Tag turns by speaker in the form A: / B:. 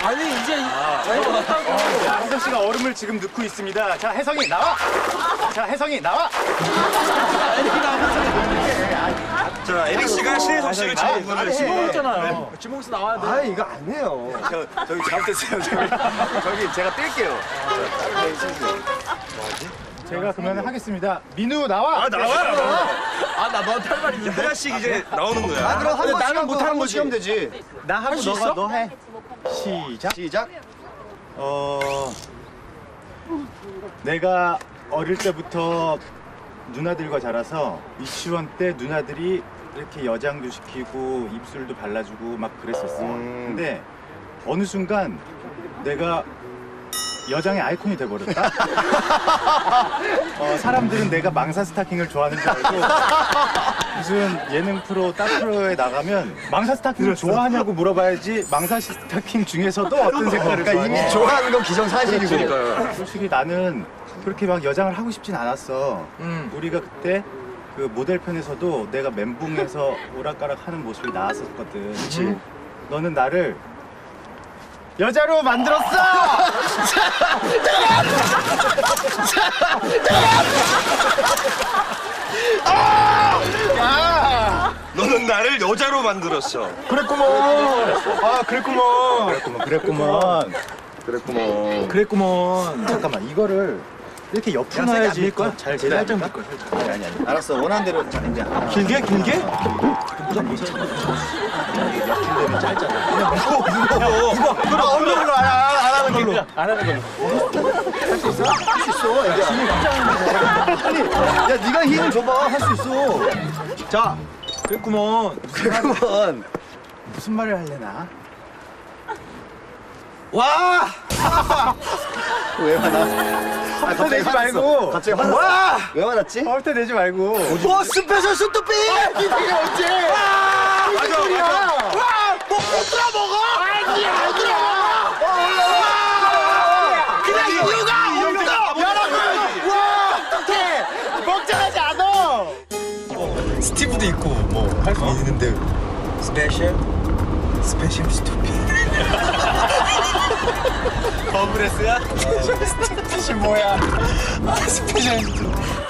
A: 아니 이제
B: 혜성 씨가 얼음을 지금 넣고 있습니다. 자, 혜성이 나와. 자, 혜성이 나와.
C: 자, 에릭 씨가 신혜성 씨를 지목을
A: 했잖아요. 지목에서 나와야 돼.
D: 아 이거 안 해요.
B: 저기 잘못했어요. 저기 제가 뛸게요. 제가 그러면 하겠습니다. 민우 나와.
C: 아, 나와.
A: 아나 너한테 할 말 있는데.
C: 하나씩 이제 나오는 거야.
D: 아 그럼 한 번씩
A: 나는 못하는
D: 한
A: 거지.
D: 번씩 하면 되지.
B: 나 하고
A: 수
B: 너가
A: 있어?
B: 너 해. 시작.
D: 시작.
B: 내가 어릴 때부터 누나들과 자라서 유치원 때 누나들이 이렇게 여장도 시키고 입술도 발라주고 막 그랬었어. 근데 어느 순간 내가 여장의 아이콘이 돼버렸다. 사람들은 내가 망사 스타킹을 좋아하는 줄 알고 무슨 예능 프로, 딸 프로에 나가면 망사 스타킹을 좋아하냐고 물어봐야지 망사 스타킹 중에서도 어떤 색깔을
D: 그러니까
B: 좋아해?
D: 이미 좋아하는 건 기정사실이고.
B: 솔직히 나는 그렇게 막 여장을 하고 싶진 않았어. 우리가 그때 그 모델 편에서도 내가 멘붕에서 오락가락 하는 모습이 나왔었거든.
D: 그치.
B: 너는 나를 여자로 만들었어! 야!
C: 너는 나를 여자로 만들었어.
B: 그랬구먼. 아, 그랬구먼. 그랬구먼. 잠깐만, 이거를 이렇게 옆으로 놔야지.
D: 밀 거야?
B: 잘
D: 제대로
B: 살짝
D: 밀
B: 밀 거야.
D: 아니. 알았어. 원하는 대로 자 이제.
B: 길게? 길게?
D: 얼굴로 안 하는 걸로.
A: 안 하는 걸로.
D: 할 수 있어, 애기야. 아니, 야 네가 힘을 줘봐. 할 수 있어.
B: 자, 그랬구먼.
D: 그만.
B: 무슨 말을 하려나?
A: 와.
D: 왜 화나?
B: 화부터 내지 말고.
D: 갑자기 화났어.
B: 와!
D: 왜 화났지?
B: 화부터 내지 말고.
D: 뭐 스페셜 수트비!
B: 이게 언제?
C: 맞아.
A: 뭐 부끄러 먹어? 아니야. 그냥 이유가 없어.
B: 여러분! 와! 어떡해! 먹자하지 않아!
D: 스티브도 있고 뭐 할 수 있는데 스페셜 스투피.
B: 버블레스야? 스티치 뭐야?
D: 스페셜 스투피.